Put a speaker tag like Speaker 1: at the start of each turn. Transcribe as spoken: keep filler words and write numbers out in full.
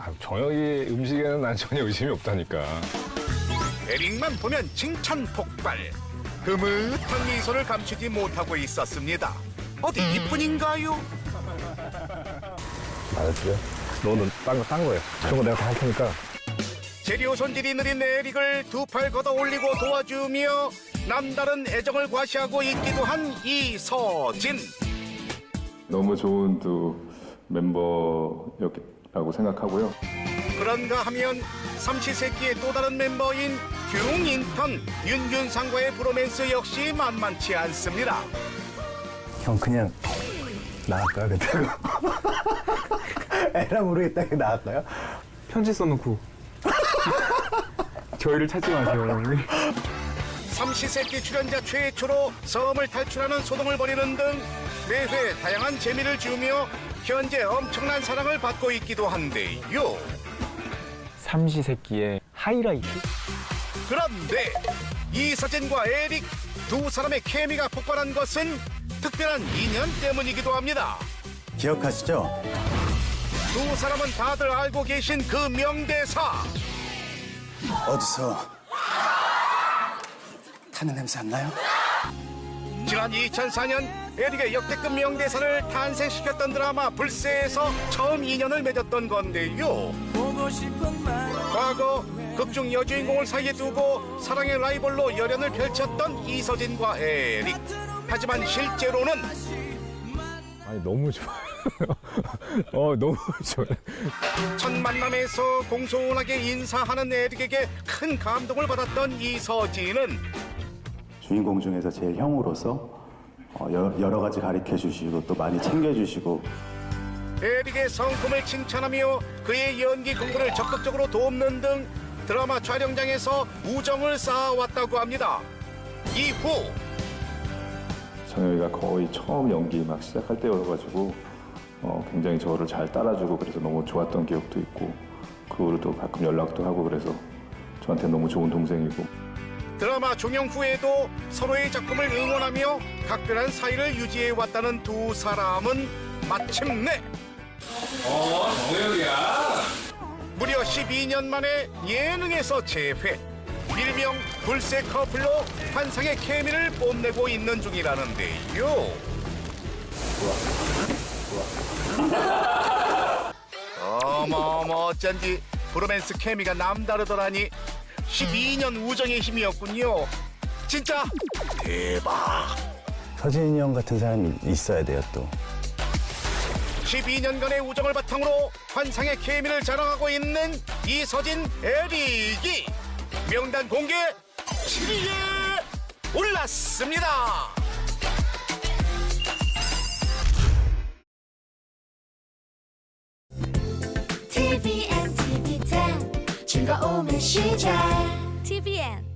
Speaker 1: 아, 정혁이 음식에는 난 전혀 의심이 없다니까.
Speaker 2: 에릭만 보면 칭찬 폭발. 흐뭇한 미소를 감추지 못하고 있었습니다. 어디 이뿐인가요?
Speaker 1: 알았지? 너는 딴 거, 딴 거야. 그런 거 내가 다 할 테니까.
Speaker 2: 재료 손질이 느린 에릭을 두 팔 걷어 올리고 도와주며 남다른 애정을 과시하고 있기도 한 이서진.
Speaker 3: 너무 좋은 두 멤버였다고 생각하고요.
Speaker 2: 그런가 하면 삼시세끼의 또 다른 멤버인 흉인턴 윤균상과의 브로맨스 역시 만만치 않습니다.
Speaker 4: 형 그냥 나갈까요? 그렇다고. 애랑 모르겠다. 나갈까요?
Speaker 5: 편지 써놓고 저희를 찾지 마세요.
Speaker 2: 삼시세끼 출연자 최초로 섬을 탈출하는 소동을 벌이는 등 매회 다양한 재미를 주며 현재 엄청난 사랑을 받고 있기도 한데요.
Speaker 5: 삼시세끼의 하이라이트?
Speaker 2: 그런데 이서진과 에릭 두 사람의 케미가 폭발한 것은 특별한 인연 때문이기도 합니다.
Speaker 4: 기억하시죠?
Speaker 2: 두 사람은 다들 알고 계신 그 명대사.
Speaker 4: 어디서 타는 냄새 안 나요?
Speaker 2: 지난 이천사 년 에릭의 역대급 명대사를 탄생시켰던 드라마 불새에서 처음 인연을 맺었던 건데요. 과거 극중 여주인공을 사이에 두고 사랑의 라이벌로 열연을 펼쳤던 이서진과 에릭. 하지만 실제로는
Speaker 1: 아니, 너무 좋아요. 어, 너무 좋아요.
Speaker 2: 첫 만남에서 공손하게 인사하는 에릭에게 큰 감동을 받았던 이서진은
Speaker 6: 주인공 중에서 제일 형으로서 어, 여- 여러 가지 가르쳐 주시고 또 많이 챙겨 주시고
Speaker 2: 에릭의 성품을 칭찬하며 그의 연기 공부를 적극적으로 돕는 등 드라마 촬영장에서 우정을 쌓아왔다고 합니다. 이후
Speaker 3: 정혁이가 거의 처음 연기 막 시작할 때여가지고 어, 굉장히 저를 잘 따라주고 그래서 너무 좋았던 기억도 있고 그 후로도 가끔 연락도 하고 그래서 저한테 너무 좋은 동생이고.
Speaker 2: 드라마 종영 후에도 서로의 작품을 응원하며 각별한 사이를 유지해왔다는 두 사람은 마침내
Speaker 1: 어, 정혁이야.
Speaker 2: 무려 십이 년 만에 예능에서 재회. 일명 불새 커플로 환상의 케미를 뽐내고 있는 중이라는데요. 어머어머 어쩐지 브로맨스 케미가 남다르더라니. 십이 년 우정의 힘이었군요. 진짜 대박.
Speaker 4: 서진이 형 같은 사람이 있어야 돼요 또.
Speaker 2: 십이 년간의 우정을 바탕으로 환상의 케미를 자랑하고 있는 이서진, 에릭이 명단 공개 칠 위에 올랐습니다.
Speaker 7: 티비엔, 티비 텐 즐거움의 시작 티비엔